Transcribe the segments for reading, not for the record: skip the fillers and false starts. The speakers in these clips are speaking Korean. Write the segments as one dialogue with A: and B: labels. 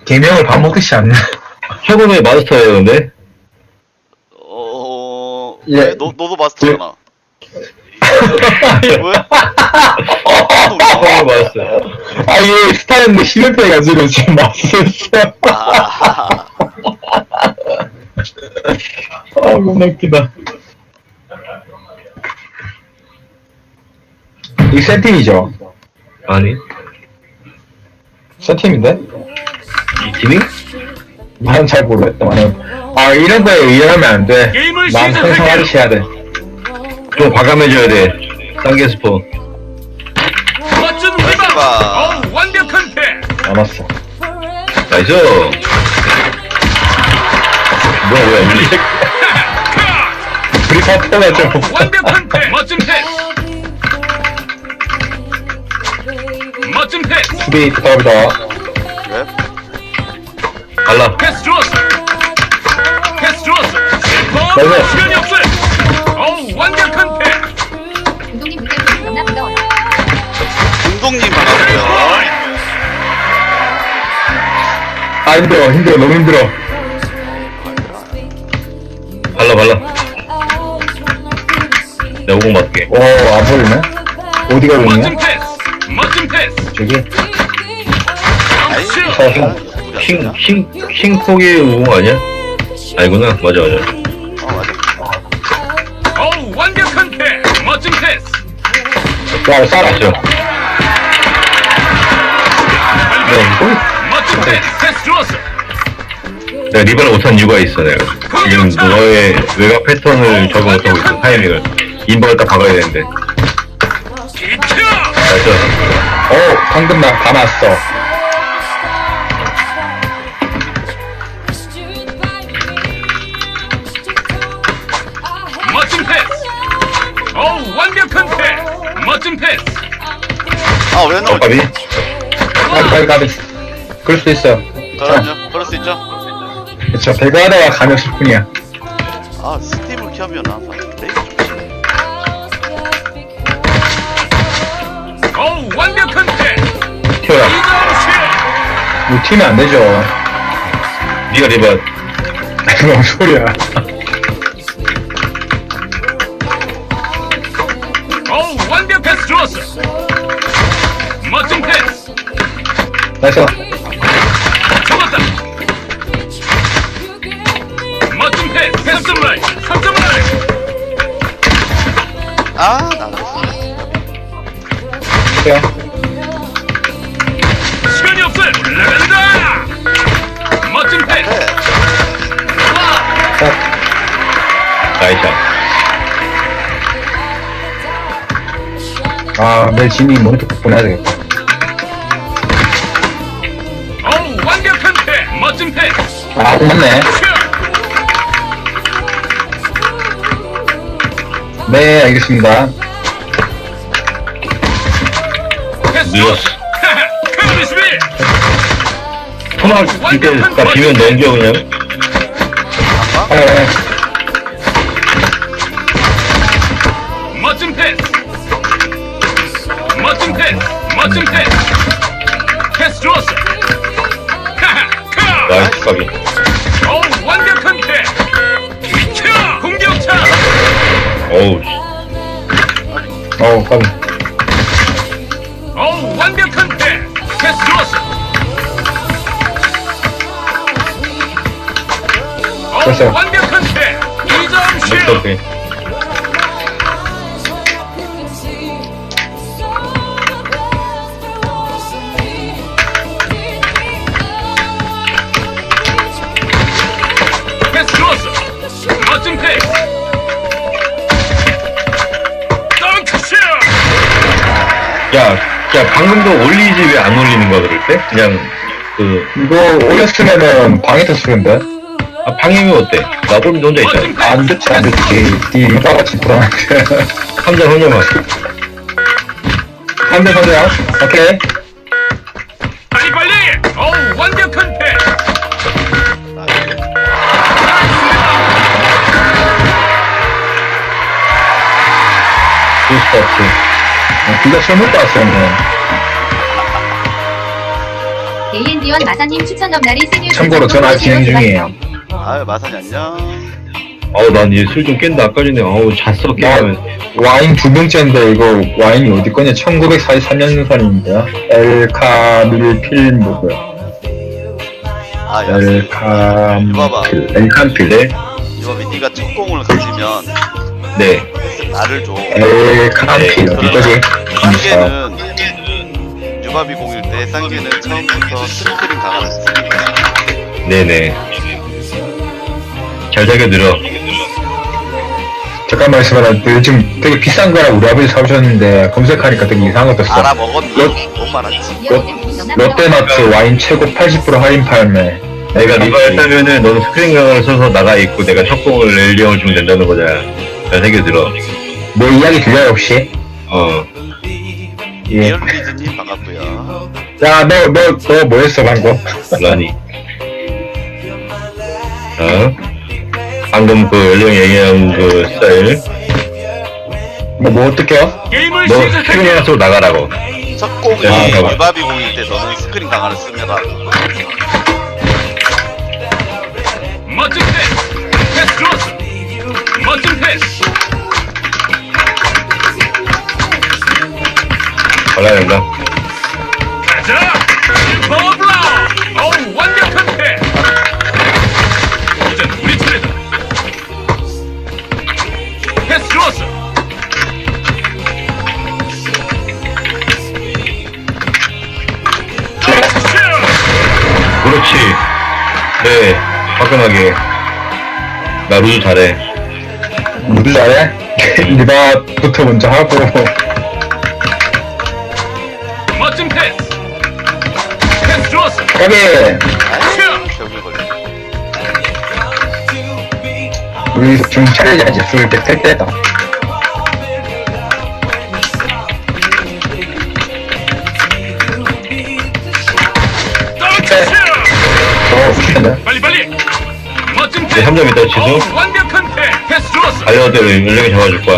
A: 개명을 밥 먹듯이 하네.
B: 혁음의 마스터예요, 근데?
A: 예.
C: 왜? 너도 마스터잖아. 왜?
B: 혁음의 마스터.
A: 아, 이게 스타일인데 실력배가지고 지금 맛있었어.
C: 아,
A: 아, 겁나 웃기다. 이 세팀이죠?
B: 아니,
A: 세팀인데?
B: 이 팀이?
A: 나는 잘 모르겠다. 아, 이런 거에 의연하면 안 돼.
D: 게임을
A: 마음 평상하듯이 해야 돼.
B: 좀 과감해져야 돼. 쌍계 스포.
D: 멋진 리바운드. 어우, 완벽한 패스.
A: 알았어.
B: 나이스! 뭐야, 우리.
A: 우리 파트너가 좀.
D: 완벽한 패스. 멋진 패스. 멋진 패스.
A: 수비 부탁합니다.
C: 왜?
B: 갈라.
D: 패스 좋았어. 패스 좋았어.
A: 나이스.
D: 시간이 없어요. 어우, 완벽한 패스.
E: 운동님 물결이 너무나 반가워요.
C: 운동님 반갑고요.
A: 아, 힘들어. 너무 힘들어.
B: 발라. 내가 오공 맞게.
A: 오, 안 보이네? 어디가
D: 멋진
A: 보이냐?
D: 패스. 멋진 패스.
A: 저기?
C: 아이,
D: 점프.
B: 킹폭의 우공 아니야? 아니구나. 맞아.
C: 맞아.
D: 어우, 완벽한 패스. 멋진 패스.
A: 야, 싸라.
B: 맞죠?
D: 멋진 패스. 패스 좋았어.
B: 내가 리바를 못한 이유가 있어, 내가. 지금 너의 외곽 패턴을 적응 못하고 있어, 타이밍을. 인박을 딱 박아야 되는데.
D: 기차.
B: 나이스.
A: 오, 방금 다 났어.
D: 멋진 패스. 어우, 완벽한 패스. 멋진 패스.
C: 아, 왜 나오지?
B: 까비?
A: 가비. 그럴 수도 있어요.
C: 그럼요. 그럴 수 있죠.
A: 그쵸, 배가다가 가면 10분이야.
C: 아, 스팀을 켜면 항상 레이스 좋지.
D: 어우, 완벽한 패스.
B: 튀어라.
D: 이정식.
A: 뭐 튀면 안 되죠.
B: 니가 리바.
A: 뭔 소리야.
D: 어우, 완벽 패스 좋았어. 멋진 패스.
A: 나이스.
D: 잡았다. 멋진 패스. 패스 라인. 3점 라인.
C: 아, 나갔어.
A: 그래요.
D: 시간이 없어요. 올라간다. 멋진 패스.
C: 네.
B: 나이스.
A: 아, 내일 진이 모니터 꼭 보내야 되겠다.
D: 어우, 완벽한 패스. 멋진 패스.
A: 아, 맞네.
D: 슛.
A: 네, 알겠습니다.
D: 패스
B: 밀었어.
D: 좋았어. 카비 수비.
B: 토막 이때 나 비면 넘겨, 그냥.
A: 네.
D: 멋진 패스. 멋진 패스. 멋진 패스. 패스 좋았어.
B: 나이스, 까비.
D: 어우, 완벽한 패스. 기차. 공격차.
B: 어우,
A: 까비.
D: 어우, 완벽한 패스. 패스 좋았어.
A: 됐어요.
D: 어우, 완벽한 패스. 2점 슛.
B: 오케이.
D: 패스 좋았어. 멋진 패스. 덩크슛.
B: 야, 방금도 올리지 왜 안 올리는 거야, 그럴 때? 그냥,
A: 이거 올렸으면은 방에 떴을텐데.
B: 방임이 어때? 나 혼자 있잖아.
A: 안 좋지, 안 좋지. 이 리바같이 불안한데.
B: 3점 혼자만.
A: 3대 선이야. 오케이.
D: 빨리. 어우, 완벽한 패스.
A: 부스터치. 둘다 술 먹고 왔어요, 뭐.
E: AND1 마사님 추천 넘나리 생일
A: 참고로 전 아직 진행 중이에요.
C: 아유 마사님 안녕.
B: 아우 난 이제 술 좀 깬다 아까 전에 아우 잤어 깨면
A: 와인 두 병째인데 이거 와인이 어디 거냐? 1943년산인데요. 엘카밀 필모고요.
C: 아 야.
A: 엘칸필.
B: 네?
C: 이범이 네가 첫 공을 가지면
B: 네
C: 나를 줘.
A: 엘칸필 어디 거지?
C: 쌍계는 유바비 공일 때 쌍계는 처음부터 스크린 강화를 했습니다.
B: 네네 잘 자게 들어
A: 잠깐만 있어봐라. 요즘 되게 비싼 거라 우리 아버지 사오셨는데 검색하니까 되게 이상한 거 떴어.
C: 알아먹었니? 못 말았지.
A: 롯데마트 와인 최고 80% 할인 팔매.
B: 내가 네가 했다면은 너는 스크린 강화를 써서 나가 있고 내가 첫 공을 렐리형을 주면 된다는 거잖아 잘 자게 들어
A: 내 이야기 들려요 혹시? 예.
C: 리얼리즈님 반갑고요.
A: 야, 너 뭐 했어 방금?
B: 라니 방금 그 렐리형 얘기한 그 스타일
A: 뭐 어떡해요?
D: 게임을
B: 너 스크린
D: 시작할게요.
B: 강화 쓰고 나가라고
C: 첫 공이
B: 야, 잠깐만.
C: 유바비 공일 때 너는 스크린 강화를 씁니다.
D: 멋진 패스. 패스 좋았어. 멋진 패스.
B: 발라야 된다
D: 가자. 슈퍼 블라운. 어우 완벽한 패스. 이젠 우리 차례다. 패스 좋았어. 슛.
B: 그렇지 네 화끈하게 나 루즈 잘해
A: 누구 잘해? 리바부터 먼저 하고.
D: 멋진 패스. 패스 좋았어.
A: 여기
C: 아유 벽을 걸려.
A: 우리 좀 차려야지. 술때탈 때다.
D: 덩크 슛.
A: 어,
D: 빨리 빨리. 멋진
B: 네,
D: 패스.
B: 3점 있다 지수
D: 어우, 완벽한 패스. 패스 좋았어.
B: 달려대로 연령이 잡아줄 거야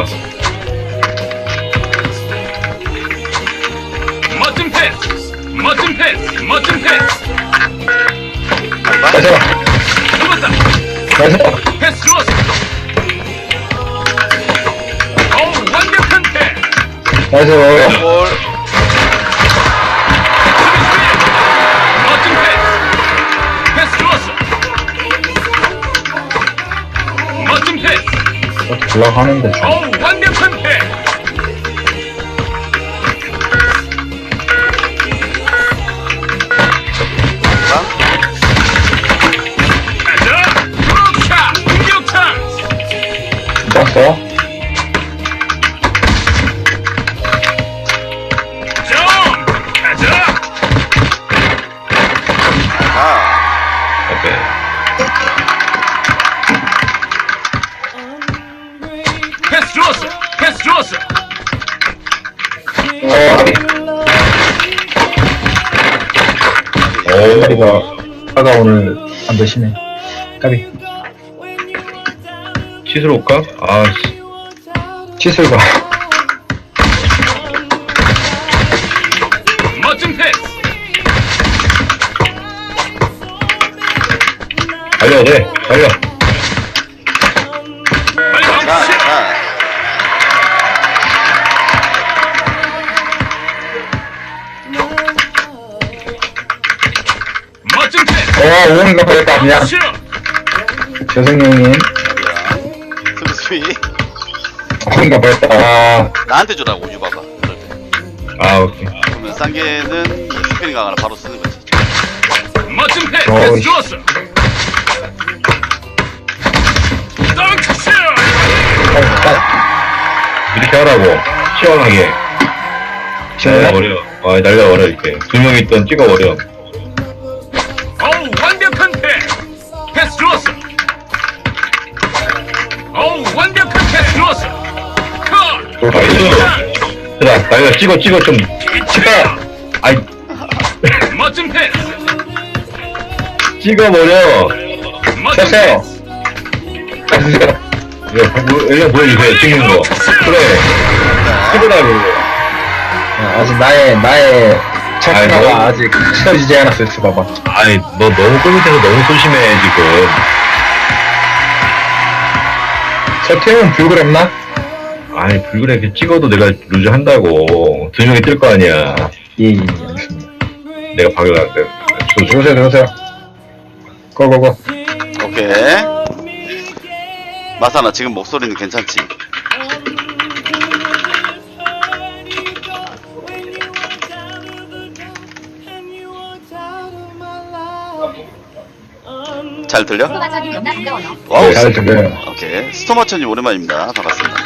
D: 멋진 패스. 멋진 패스. 멋진 패스.
A: 가자.
D: 잡았다.
A: 가자.
D: 패스 좋았어. 어우 완벽한 패스.
A: 가자.
C: 골.
D: 멋진 패스. 패스 좋았어. 멋진 패스.
A: 올라가는데.
D: 어우 완벽한 패스. 가자. 브로차 공격 찬스.
A: 떴어?
D: 점. 가자.
C: 아,
B: 오케이
D: 패스 좋았어. 패스 좋았어.
B: 오
A: 다리가 아가 오늘 안 되시네. 까비.
B: 치스로 올까? 아씨
A: 치술가.
D: 멋진 패스.
B: 달려 돼 달려
D: 빨리
C: 자,
D: 덩크 슛.
C: 자.
D: 멋진 패스.
A: 오늘 나빠졌다. 미안.
D: 슛.
A: 재성이 형님.
C: 수비.
A: 오늘 나빠졌다.
C: 나한테 주라고 유바가. 그럴 때.
B: 아 오케이
C: 그러면 쌍계는 스크린 강화를 바로 쓰는 거지.
D: 멋진 패스.
A: 어이.
D: 패스 좋았어. 덩크 슛.
B: 이렇게 하라고 시원하게
A: 시원해?
B: 날려버려 날려버려 이렇게 두 명 있던 찍어버려
D: 어우 완벽한 패스. 패스 좋았어. 어우 완벽한 패스 좋았어. 컷.
B: 나이스 자 날려 찍어 좀
D: 이치야.
B: 아이
D: 멋진 패스.
B: 찍어버려
D: 멋진
A: 쳤어요.
D: 패스.
B: 이거 보여주세요 찍는 거 그래 찍으라고
A: 아직 나의 차크가 아직 치러지지 않았어요, 봐봐.
B: 아니 너 너무 꿀밑에서 너무 소심해 지금.
A: 저 팀은 불그랬나?
B: 아니 불그레 이렇게 찍어도 내가 루즈 한다고. 2명이 뜰 거 아니야.
A: 예, 알겠습니다.
B: 내가 박여놨는데.
A: 들어오세요. 고고고.
C: 오케이. 마사나 지금 목소리는 괜찮지? 잘 들려?
E: 소마천님 너무나 반가워요.
C: 와우.
A: 잘 들려요.
C: 오케이. 스토마천님 오랜만입니다. 반갑습니다.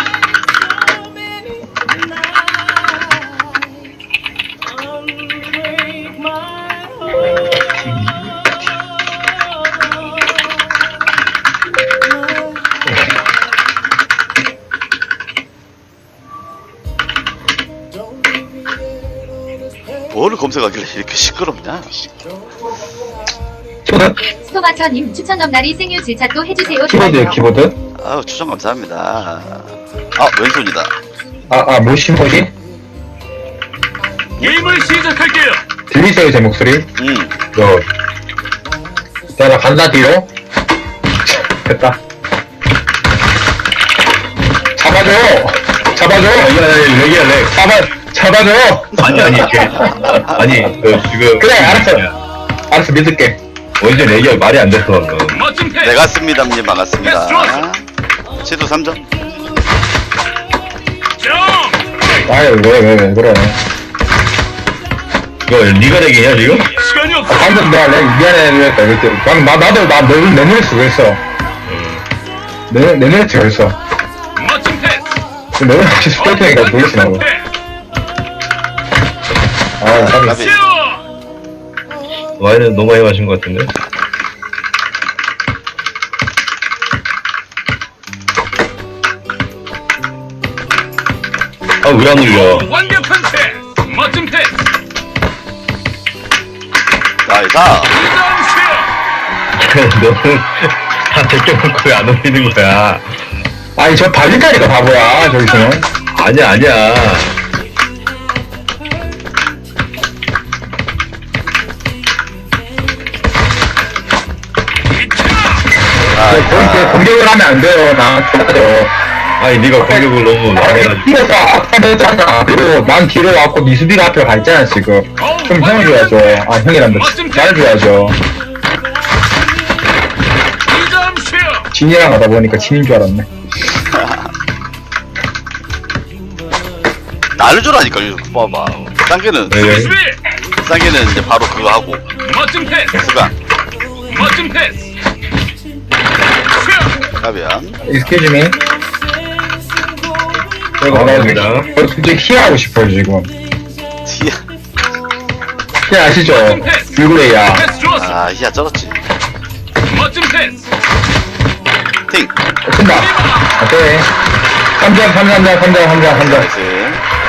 C: 뭘 검색하길래 이렇게 시끄럽냐?
A: 키보드?
E: 소마천님 추천 넘나리 생유 질차 또 해주세요.
A: 키보드요,
E: 좋아요.
A: 키보드?
C: 아유 추천 감사합니다. 아 왼손이다.
A: 뭐지?
D: 게임을 시작할게요.
A: 들리세요, 제 목소리? 자, 나 간다, 뒤로. 됐다. 잡아줘!
B: 렉이야 렉.
A: 잡아줘!
B: 아니 아니 그 지금.
A: 그래, 알았어, 믿을게.
B: 원래 렉이야 말이 안 됐어 방금.
D: 멋진 패스.
C: 내가 씁니다님 반갑습니다. 치도 3점.
D: 정.
A: 아유, 왜 그래.
B: 이거 리가 렉이냐 지금?
D: 시간이 없어.
A: 방금 내가 미안해, 이렇게. 나도 내 눈에 쓰고 있어. 내 눈에 쓰고 있어.
D: 멋진 패스.
A: 내 눈에 쓰고 있을 테니까 놀리시나고. 아,
C: 가비.
B: 와인은 너무 많이 마신 것 같은데? 아 왜 안 울려?
D: 완벽한 패스. 멋진 패스.
C: 나이스.
D: 리듬
B: 너는 다 제껴놓고 왜 안 울리는 거야?
A: 아니, 저 발리다리가 바보야, 저기서는.
B: 아니야.
A: 그렇게 공격을 하면 안 돼요, 나한테.
B: 아니 네가 공격을 너무 많이
A: 뛰어서 앞에 했잖아. 그리고 난 뒤로 왔고, 니 수비가 앞에 가 있잖아, 지금. 좀 형을 줘야죠. 형이란다. 잘해줘야죠.
D: 2점 슛.
A: 진이랑 가다 보니까 진인 줄 알았네.
C: 나를 주라니까 이거 봐봐. 쌍개는
B: 네.
D: 수비.
C: 쌍개는 이제 바로 그거 하고
D: 멋진 패스.
C: 수가
D: 멋진 패스. 슛.
C: 가비야.
A: Excuse me.
B: 감사합니다.
A: 솔직히 희하고 싶어요, 지금.
C: 티야.
A: 희 아시죠? 불그레이야.
D: 패스 좋았어.
C: 아 희야 쩔었지.
D: 멋진 패스.
C: 팅.
A: 쓴다. 오케이. 3점.
C: 나이스.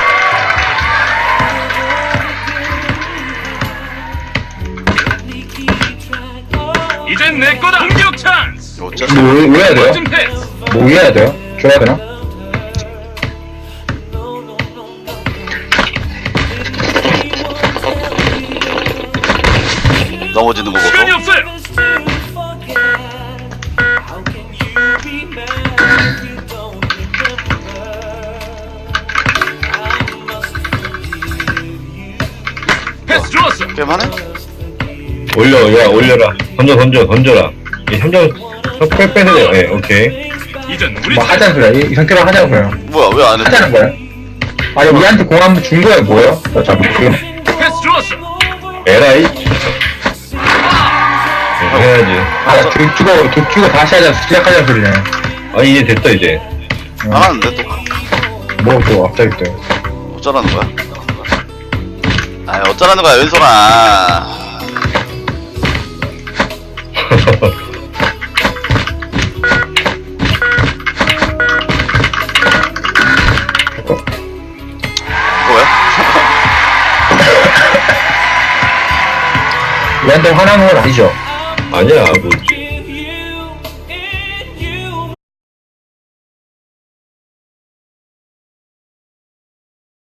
D: 이젠 내 거다. 공격 찬스.
C: 이거 어쩌?
A: 뭐 해야 돼요?
D: 멋진 패스.
A: 뭐 해야 돼요? 줘야 되나?
C: 넘어지는 거
D: 시간이
C: 보고.
D: 없어요. 패스 좋았어.
C: 게임하네?
B: 올려라. 던져라. 이 3점 빼서 돼요. 예, 오케이.
D: 이젠 우리
A: 뭐 하자는 소리야. 이 상태로 하자고요.
C: 뭐야 왜 안 해?
A: 하자는 거야. 아니, 우리한테 공 한번 준 거야, 뭐야? 자, 지금.
D: 패스 좋았어.
B: 에라이. 해야지.
A: 돈 주고 다시 하자, 시작하자는 소리네.
B: 아 이제 됐다 이제.
C: 안 하는데 또
A: 뭐, 또, 갑자기 또.
C: 어쩌라는 거야? 아 어쩌라는 거야 왼손아. 뭐야?
A: 우리한테 화나는 건 아니죠?
B: 아니야 뭐